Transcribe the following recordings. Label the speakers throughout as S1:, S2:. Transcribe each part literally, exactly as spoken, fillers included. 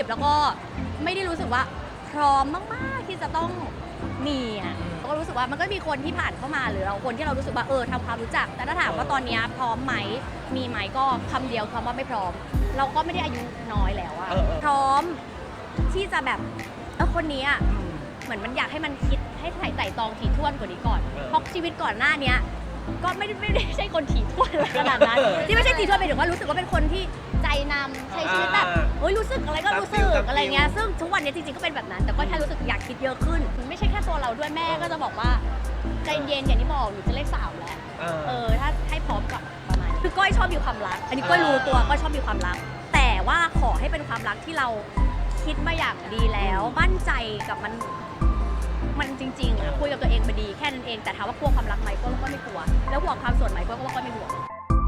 S1: บแล้วก็ไม่ได้รู้สึกว่าพร้อมมากๆที่จะต้องมีอ่ะก็รู้สึกว่ามันก็มีคนที่ผ่านเข้ามาหรือเราคนที่เรารู้สึกว่าเออทำความรู้จักแต่ถ้าถามว่าตอนนี้พร้อมไหมมีไหมก็คำเดียวคำว่าไม่พร้อมเราก็ไม่ได้อายุน้อยแล้วอะพร้อมที่จะแบบเออคนนี้อะเหมือนมันอยากให้มันคิดให้ไถ่ไต่ตองถี่ถ้วนกว่านี้ก่อนเพราะชีวิตก่อนหน้านี้ก็ไม่ได้ไม่ได้ใช่คนถี่ถ้วนขนาดนั้นที่ไม่ใช่ถี่ถ้วนไปถึงว่ารู้สึกว่าเป็นคนที่ใจนำใช้ชีวิตแบบเฮ้ยรู้สึกอะไรก็รู้สึกอะไรเงี้ยซึ่งทุกวันนี้จริงๆก็เป็นแบบนั้นแต่ก็แค่รู้สึกอยากคิดเยอะขึ้นไม่ใช่แค่ตัวเราด้วยแม่ก็จะบอกว่าใจเย็นอย่างที่บอกหนูจะเลขสาวแล้วเออถ้าให้พร้อมกับประมาณคือก้อยชอบมีความรักอันนี้ก้อยรู้ตัวก้อยชอบมีความรักแต่ว่าขอให้เป็นความรักที่เราคิดมาอย่างดีแล้วมั่นใจกับมันมันจริงๆอะคุยกับตัวเองมาดีแค่นั้นเองแต่ถามว่ากลัวความรักไหมก็ก็ไม่กลัวแล้วห่วงความโสดไหมก็ก็ไม่ห่วง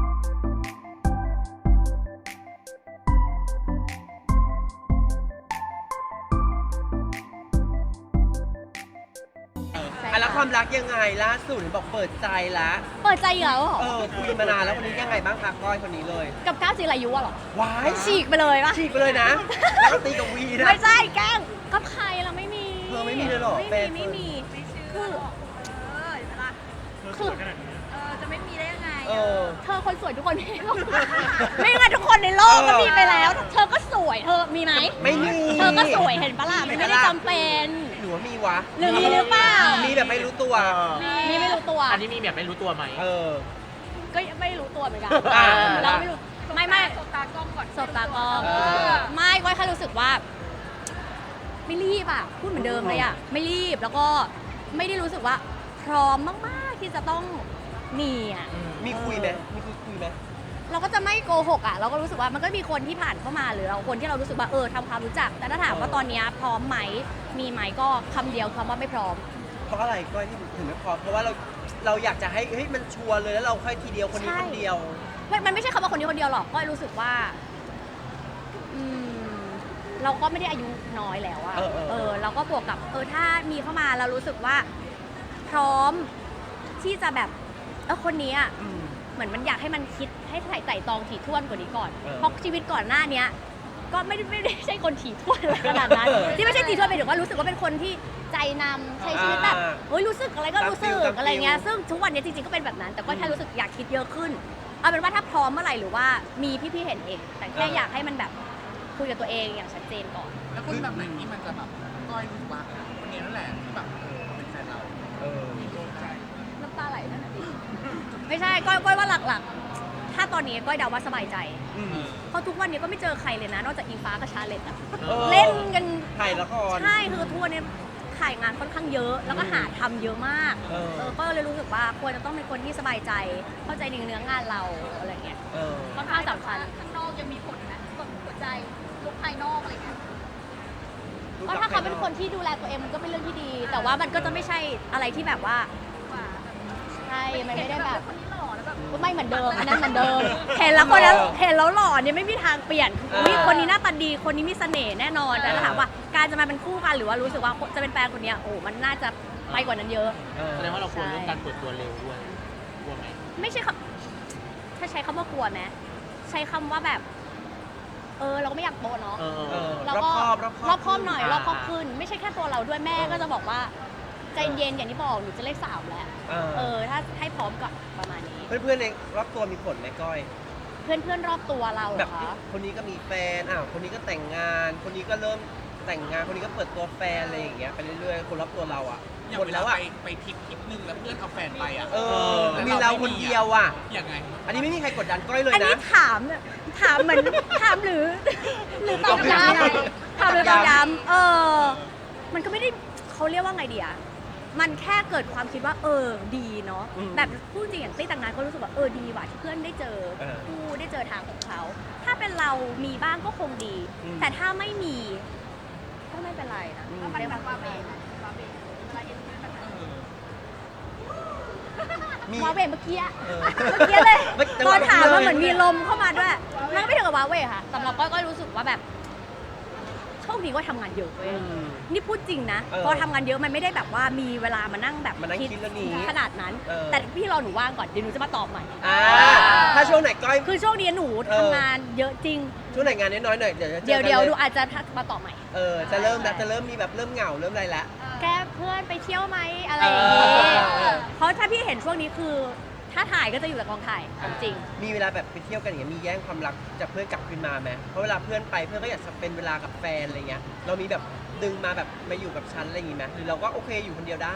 S2: แล้วความรักยังไงล่าสุดบอกเปิดใจละ
S1: เปิดใจอีกแล้วเหรอ
S2: เออคุยมานานแล้ววันนี้ยังไงบ้างคะก้อยคนนี้เลย
S1: กับก้าวจิรายุอะเหรอ
S2: ว้าย
S1: ฉีกไปเลยปะ
S2: ฉีกไปเลยนะแล้วก็ตีกับวีนะ
S1: ไม่ใช่แกล้งกับใครเราไม่มี
S2: เธอไม่มีเลยหรอ
S1: ไม่มีไม่มีคือคือ
S3: เออจะไม่มีได้ยังไง
S2: เออ
S1: เธอคนสวยทุกคนไม่ไม่งั้นทุกคนในโลกก็มีไปแล้วเธอก็สวยเธอมีไหม
S2: ไม่มี
S1: เธอก็สวยเห็นปะล่ะมันไม่ได้จำเป็น
S2: หนูว่ามีวะ
S1: หรือมีหรือเปล่า
S2: มีแบบไม่รู้ตัว
S1: มีไม่รู้ตัว
S4: อันนี้มีแบบไม่รู้ตัวไหม
S2: เออ
S1: ก็ไม่รู้ตัวเหมือนกัน
S2: อ่า
S1: เราไม่รู้ไม่ไม่
S3: สบตากล้องก่อน
S1: สบตากล้องไม่ก็แค่รู้สึกว่าไม่รีบอ่ะพูดเหมือนเดิมเลยอ่ะไม่รีบแล้วก็ไม่ได้รู้สึกว่าพร้อมมากๆที่จะต้องมีอ่ะ
S2: มีคุยไหมมีคุยคุยไหม
S1: เราก็จะไม่โกหกอ่ะเราก็รู้สึกว่ามันก็มีคนที่ผ่านเข้ามาหรือเราคนที่เรารู้สึกว่าเออทำความรู้จักแต่ถ้าถามว่าตอนนี้พร้อมไหมมีไหมก็คำเดียวคำว่าไม่พร้อม
S2: เพราะอะไรก้อยที่ถึงไม่พร้อมเพราะว่าเราเราอยากจะให้เฮ้ยมันชัวร์เลยแล้วเราค่อยทีเดียวคนนี้คนเดียว
S1: มันไม่ใช่คำว่าคนนี้คนเดียวหรอกก็รู้สึกว่าอืมเราก็ไม่ได้อายุน้อยแล้วอะเออเราก็บวกกับเออถ้ามีเข้ามาเรารู้สึกว่าพร้อมที่จะแบบเออคนนี้อะเหมือนมันอยากให้มันคิดให้ไถ่ไต่ตองถี่ถ้วนกว่านี้ก่อนเพราะชีวิตก่อนหน้านี้ก็ไม่ได้ไม่ได้ใช่คนถี่ถ้วนขนาดนั้นที่ไม่ใช่ถี่ถ้วนไปถึงว่ารู้สึกว่าเป็นคนที่ใจนำใช้ชีวิตแบบเฮ้ยรู้สึกอะไรก็รู้สึกอะไรเงี้ยซึ่งทุกวันนี้จริงๆก็เป็นแบบนั้นแต่ก็แค่รู้สึกอยากคิดเยอะขึ้นเอาเป็นว่าถ้าพร้อมเมื่อไหร่หรือว่ามีพี่ๆเห็นเองแต่แค่อยากให้มันแบบคุยกับตัวเองอย่างชัดเจนก่อน
S4: แล้วคนแบบไหนที่มันจะแบบก้อยรู้ว่าคนนี้นั่นแหละที่แบบเออเป็นแฟนเรา
S2: เออ
S4: มีโดนใจ
S1: น้ำตาไหลนั่นแหละดิไม่ใช่ก้อยก้อยว่าหลักๆถ้าตอนนี้ก้อยเดาว่าสบายใจเพราะทุกวันนี้ก็ไม่เจอใครเลยนะนอกจากอิงฟ้ากับชาเลตอะเล่นกัน
S2: ถ่ายละคร
S1: ใช่คือทัวร์เนี่ยถ่ายงานค่อนข้างเยอะแล้วก็หาทำเยอะมากเออก็เลยรู้สึกว่าควรจะต้องเป็นคนที่สบายใจเข้าใจในเนื้องานเราอะไรเงี้ยค่อนข้างสำคัญ
S3: ข้างนอกยังมีผลนะกดหัวใจลุกภายนอกอะไรเงี้ย
S1: ก็ถ้าเขาเป็นคนที่ดูแลตัวเองมันก็เป็นเรื่องที่ดีแต่ว่ามันก็จะไม่ใช่อะไรที่แบบว่าใช่มันไม่ได้แบบไม่เหมือนเดิมอันนั้นเหมือนเดิมเห็นแล้วคนนั้นเห็นแล้วหล่อเนี่ยไม่มีทางเปลี่ยนคนนี้หน้าตาดีคนนี้มีเสน่ห์แน่นอนแต่ถามว่าการจะมาเป็นคู่กันหรือว่ารู้สึกว่าจะเป็นแฟนคนนี้โอ้มันน่าจะไปกว่านั้นเยอะ
S4: แสดงว่าเราควรเรื่องการเปิดตัวเร็วด้วยกลัวไหม
S1: ไม่ใช่คำถ้าใช้คำว่ากลัวไหมใช้คำว่าแบบเออเราก็ไม่อยากโตเนาะเราก็รอบคอบหน่อยรอบคอบขึ้นไม่ใช่แค่ตัวเราด้วยแม่ก็จะบอกว่าใจเย็นอย่างที่บอกหนูจะเลขสามแล้วเออถ้าให้พร้อมกับประมาณนี้
S2: เพื่อนๆในรอบตัวมีผลไหมก้อย
S1: เพื่อนเพื่อนรอบตัวเรา
S2: แบบคนนี้ก็มีแฟนอ้าวคนนี้ก็แต่งงานคนนี้ก็เริ่มแต่งงานคนนี้ก็เปิดตัวแฟนอะไรอย่างเงี้ยไปเรื่อยๆคนรอบตัวเราอ่ะ
S4: หมดแล้วอ่ะไปทริปทริปนึงแล้วเพื่อนเอาแฟนไปอ่ะ
S2: เออมีเราคนเดียวอ่ะ
S4: ยังไง
S2: อันนี้ไม่มีใครกดดันก้อยเลยนะอัน
S1: นี้ถามถามเหมือนถามหรือหรือตอบย้ำถามหรือตอบย้ำเออมันก็ไม่ได้เขาเรียกว่าไงดีอะมันแค่เกิดความคิดว่าเออดีเนาะแบบพูดจริงอย่างตี้แต่งงานก็รู้สึกว่าเออดีว่ะที่เพื่อนได้เจอคู่ได้เจอทางของเขาถ้าเป็นเรามีบ้างก็คงดีแต่ถ้าไม่มีก็ไม่เป็นไรนะ
S3: ก็มันแบบว่าเบนว่าเบนเวลาเห็นเพื่อนแบบนั้น
S1: ว้าเวเมื่อกี้เมื่อกี้เลยตอนถามมันเหมือนมีลมเข้ามาด้วยมันก็ไม่ถึงกับว้าเวค่ะสำหรับก้อยก็รู้สึกว่าแบบโชคคดีก็ทำงานเยอะเว้ย
S2: อืม
S1: นี่พูดจริงนะ
S2: เออ
S1: พอทำงานเยอะมันไม่ได้แบบว่ามีเวลามานั่งแบบ
S2: มานั่งคิดเรื่องนี้
S1: ขนาดนั้น
S2: เออ
S1: แต่พี่รอหนูว่างก่อนเดี๋ยวหนูจะมาตอบใหม่
S2: อ่าถ้าช่วงไหนก้อย
S1: คือช่วงนี้หนู
S2: เออ
S1: ทำงานเยอะจริง
S2: ช่วงไหนงานน้อยๆหน่อยเดี๋ยวจะเจ
S1: เดี๋ยว
S2: อกัน
S1: เดี๋ยว
S2: เล
S1: หนู
S2: ย
S1: อาจจะทักมาตอบใหม่
S2: เออจะเริ่มแล้วจะเริ่มมีแบบเริ่มเหงาเริ่มอะไรละ
S1: แกเพื่อนไปเที่ยวไหมอะไรอย่างงี้
S2: เออเออ
S1: เพราะถ้าพี่เห็นช่วงนี้คือ ถ้าถ่ายก็จะอยู่แต่กองถ่ายเอาจริง
S2: มีเวลาแบบไปเที่ยวกันอย่างเงี้ยมีแย่งความรักจากเพื่อนกลับคืนมาไหมเพราะเวลาเพื่อนไปเพื่อนก็อยากจะเป็นเวลากับแฟนอะไรเงี้ยเรามีแบบดึงมาแบบมาอยู่กับฉันอะไรอย่างงี้ไหมหรือเราก็โอเคอยู่คนเดียวได้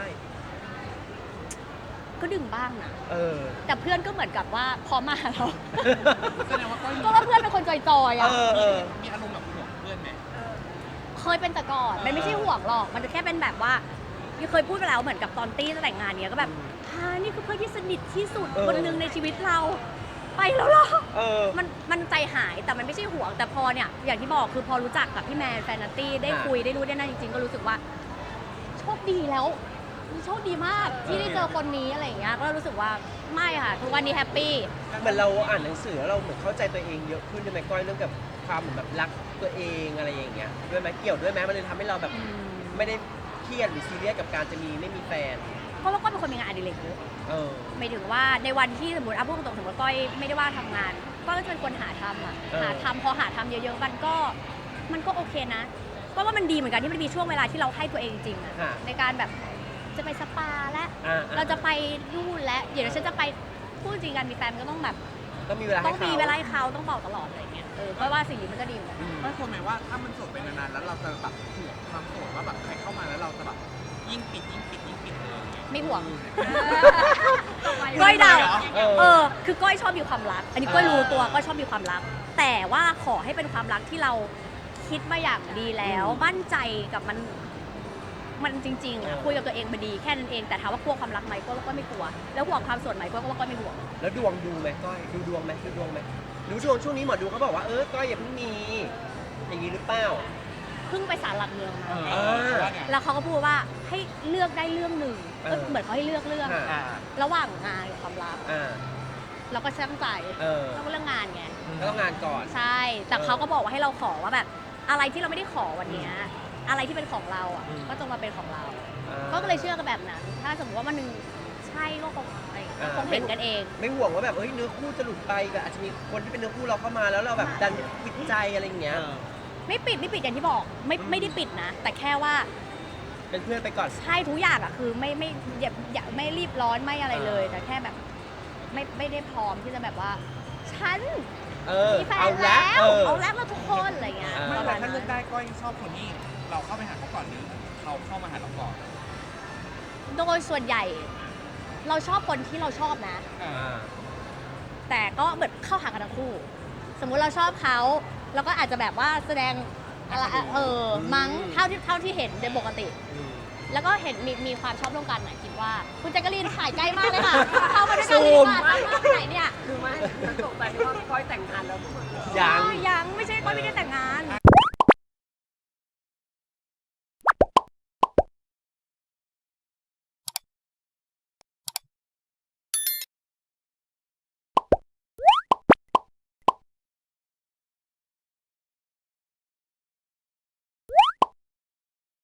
S1: ก็ดึงบ้างนะ
S2: เออ
S1: แต่เพื่อนก็เหมือนกับว่าพร้อมมาหาเรา
S4: แสดงว่าก้อย
S1: ก็ว่าเพื่อนเป็นคนจอยๆ
S2: เอ
S1: อ่ะ
S2: อเออ
S4: มีอารมณ์แบบห่วงเพื่อนไหม
S1: เคยเป็นแต่ก่อน มันไม่ใช่ห่วงหรอก มันจะแค่เป็นแบบว่าเคยพูดไปแล้วเหมือนกับตอนตี้จะแต่งงานเนี้ยก็แบบฮานี่คือเพื่อนที่สนิทที่สุด
S2: เออ
S1: คนหนึ่งในชีวิตเรา ไปแล้วเหรอ
S2: เออ
S1: มันมันใจหายแต่มันไม่ใช่ห่วงแต่พอเนี่ยอย่างที่บอกคือพอรู้จักกับพี่แมนแฟนนัตตี้ได้
S2: อ่า
S1: คุยได้รู้ได้นั่นจริงๆ ก็รู้สึกว่า โชคดีแล้วโชคดีมากที่ได้เจอคนนี้อะไรอย่างเงี้ยก็รู้สึกว่าไม่ค่ะทุกวันนี้แฮปปี้
S2: เหมือนเราอ่านหนังสือแล้วเราเหมือนเข้าใจตัวเองเยอะขึ้นด้วยไหมก้อยเรื่องกับความเหมือนแบบรักตัวเองอะไรอย่างเงี้ยด้วยไหมเกี่ยวด้วยไหมมันเลยทำให้เราแบบไม่ได้เครียดหรือซีเรียสกับการจะมีไม่มีแฟน
S1: เพราะว่าก้อยเป็นคนมีงานอดิเรกเยอะ
S2: เออ
S1: หมายถึงว่าในวันที่สมมติอ่ะพูดตรงๆสมมติก้อยไม่ได้ว่างทำงานก้อยก็จะเป็นคนหาทำอ่ะ
S2: เออ
S1: หาทำพอหาทำเยอะๆมันก็มันก็โอเคนะก็ว่ามันดีเหมือนกันที่มันมีช่วงเวลาที่เราให้ตัวเองจริงๆอะ
S2: ค่ะ
S1: ในการแบบจะไปสปาและ
S2: อ่
S1: เราจะไปนู่นและเดี๋ยวฉันจะไปพูดจริงกันมีแฟนมันก็ต้องแบบ
S2: ต้องมีเวลา
S1: ต้
S2: ให้
S1: อง
S2: เขา
S1: มีเวลาให้เขาต้องบอกตลอดอะไรเงี้ยเออก้อยว่าสิ่งนี้มันก็ดีเหมือนกัน
S2: อืม
S4: ก้อยควรไหมว่าถ้ามันโสดไปนานๆแล้วเราจะแบบห่วงความโสดว่าแบบใครเข้ามาแล้วเราจะแบบยิ่งปิดยิ่งปิดยิ่งปิดเลยอย่างเงี้ย
S1: ไม่ห่วง
S3: ต่อไป
S1: ก้อยเดา
S2: เออ
S1: เออ คือก้อยชอบมีความรัก อันนี้ก้อยรู้ตัว
S2: เออ
S1: ก้อยชอบมีความรัก แต่ว่าขอให้เป็นความรักที่เราคิดมาอย่างดีแล้ว
S2: อืม
S1: มั่นใจกับมัน มันจริงๆอะ
S2: เออ
S1: คุยกับตัวเองมาดีแค่นั้นเอง แต่ถามว่ากลัวความรักไหมก็ก็ไม่กลัว แล้วห่วงความโสดไหมก็ว่าก็ไม่ห่วง
S2: แล้วดวงดูไหมก้อยดูดวงไหมดูดวงไหมดูดวงช่วงนี้หมอดูเขาบอกว่าเออก้อยอย่าเพิ่งมี อย่างนี้หรือเปล่า
S1: เพิ่งไปศาลหลักเมืองมา
S4: เออว่าเนี่ย
S1: แล้วเขาก็พูดว่าให้เลือกได้เรื่องหนึ่ง
S2: เออ
S1: ก็เหมือนเขาให้เลือกเรื่อง
S2: อ่า
S4: อ่า
S1: ระหว่างงานกับความรัก
S2: อ่า
S1: เราก็ช่างใจ
S2: เออ
S1: ต้องเรื่องงานไง
S2: ก็ต้องงานก่อน
S1: ใช่ แต่
S2: เออ
S1: เขาก็บอกว่าให้เราขอว่าแบบ อะไรที่เราไม่ได้ขอวันเนี้ยอะไรที่เป็นของเราอ่ะ
S2: อืม
S1: ก็จงมาเป็นของเรา
S2: อ่า
S1: ก็เลยเชื่อกันแบบนั้น ถ้าสมมติว่ามันหนึ่งใช่ก็คงอะไรก็คงเห็นกันเอง
S2: ไม่ห่วงว่าแบบเอ้ยเนื้อคู่จะหลุดไปแบบอาจจะมีคนที่เป็นเนื้อคู่เราเข้ามาแล้วเราแบบดันปิดใจอะไรอย่างเงี้ย
S1: ไม่ปิดไม่ปิดอย่างที่บอก ไม่ไม่ได้ปิดนะ แต่แค่ว่า
S2: เป็นเพื่อนไปก่อน
S1: ใช่ทุกอย่างอ่ะคือไม่ไม่อย่าอย่าไม่รีบร้อนไม่อะไรเลย
S2: เออ
S1: แต่แค่แบบ ไม่ไม่ได้พร้อมที่จะแบบว่า ฉัน
S2: เออ
S1: มีแฟ
S2: เอา
S1: น
S2: ละ
S1: แล้ว
S2: เออ
S1: เอาแล้วมาทุกคนอะไรเงี้ย
S2: เออ
S4: ไม่
S1: ประ
S4: แต่
S1: มาณ
S4: ถ้าเลื
S1: นั้
S4: อก
S1: น
S4: ได้ก้อยชอบคนนี้เราเข้าไปหาเขาก่อนหรือเขาเข้ามาหาเราก่อน
S1: โดยส่วนใหญ่ เราชอบคนที่เราชอบนะ
S4: อ่า
S2: อ่า
S1: แต่ก็เหมือนเข้าหากันทั้งคู่ สมมุติเราชอบเขาเราก็อาจจะแบบว่าแสดงอะไรเออ
S2: อืม
S1: มั้งเท่าที่เท่าที่เห็นโดยปกติ
S2: อืม
S1: แล้วก็เห็นมีมีความชอบร่วมกันนะคิดว่า คุณแจ๊กกะลีนถ่ายใกล้มากเลยค่ะ เข้ามาด้วยกันเลยดีกว่าตามมาไปไหนเนี่ย
S5: คือไม่ฉันตกใจว่าก้อยแต่งงานแล้วทุกคน
S2: ยัง
S1: อ๋อยังไม่ใช่ก้อยไม่ได้แต่งงาน